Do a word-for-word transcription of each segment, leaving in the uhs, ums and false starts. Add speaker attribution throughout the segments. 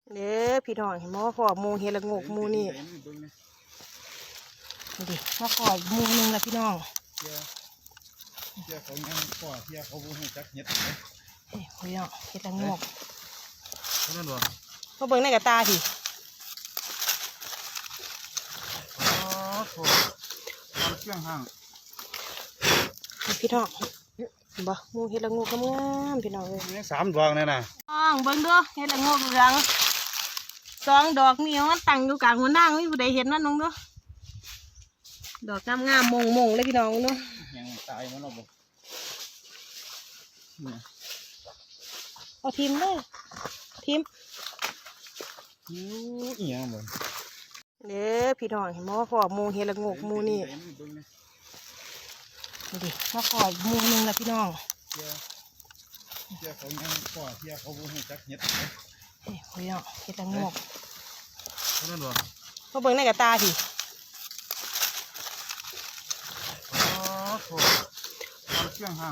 Speaker 1: เด้อพี่น้องเห็นบ่พ่อหมูเฮละงกหมูนี่ดิมาขอหมูหนึงละพี่น้อง
Speaker 2: เที่ยเที่ยเขายังพ่อเที่ยเขาบุ้งจักเห็ด
Speaker 1: เฮ้ยพี่น้องเฮละงก
Speaker 2: เท่านั้นหรอ
Speaker 1: มาเบิ่งในกระตาพี่
Speaker 2: อ๋อโถทำเครื่องห่าง
Speaker 1: พี่น้องบ่หมูเฮละงกงามๆพี่น้องเลย
Speaker 2: นี่สามดวงนี่นะ
Speaker 1: น้องเบิ่งดูเฮละงกเหลืองสองดอกนี่มันตั้งอยู่กลางหัวหน้าไม่มีผู้ใดเห็นนั่นน้องดูดอกงามงามมงมงเลยพี่น้องดู
Speaker 2: ยังตายมันหรอบ่
Speaker 1: เอาทิมเลยทิม
Speaker 2: อู้อีหยังบ่
Speaker 1: เด้อพี่น้องเห็นบ่พ่อหมูเฮละงกหมูนี่ดิมาขอหมูหนึงละพี่น้อง
Speaker 2: เที่ยเที่ยเขายังพ่อเที่ยเขาบุ้งจักเห็ด
Speaker 1: เฮ้ยพี่น้องเฮละงก
Speaker 2: เท่านั้นหรอ
Speaker 1: มาเบิ่งในกระตาพี่
Speaker 2: อ๋อโถทำเครื่องห่าง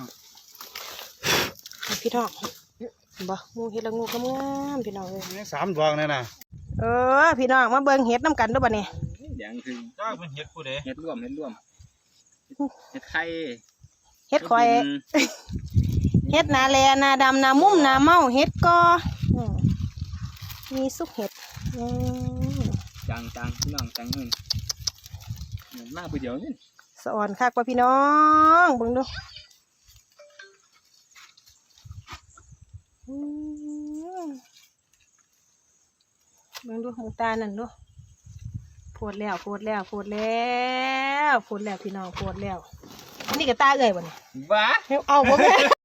Speaker 1: พี่น้องบ่หมูเห็ดละงูกงามพี่น้องเลย
Speaker 2: นี่สามดวงนี่นะ
Speaker 1: เออพี่น้องมาเบิ่งเห็ดน้ำกันด้วยบ่เนี่ย
Speaker 2: อย่างคือจ้าเป็นเห็ดผู้ใดเห็ดร่วมเห็ดร่วมเห็ดไข่
Speaker 1: เห็ดข่อยเห็ดนาแลนาดำนามุ่มนาเมาเห็ดกอมีซุกเห็ด
Speaker 2: จังจังพี่น้องจังเงินเหมือนมากไปเดี๋ยวนี่
Speaker 1: สะอ่อนคักว่าพี่น้องเบิ่งดูเบิ่งดูหงตานั่นดูโพดแล้วโพดแล้วโพดแล้วโพดแล้วพี่น้องโพดแล้วอันนี้ก็ตาเอ่ยบ่เนี่ย
Speaker 2: บ้า
Speaker 1: เอาบ่แม่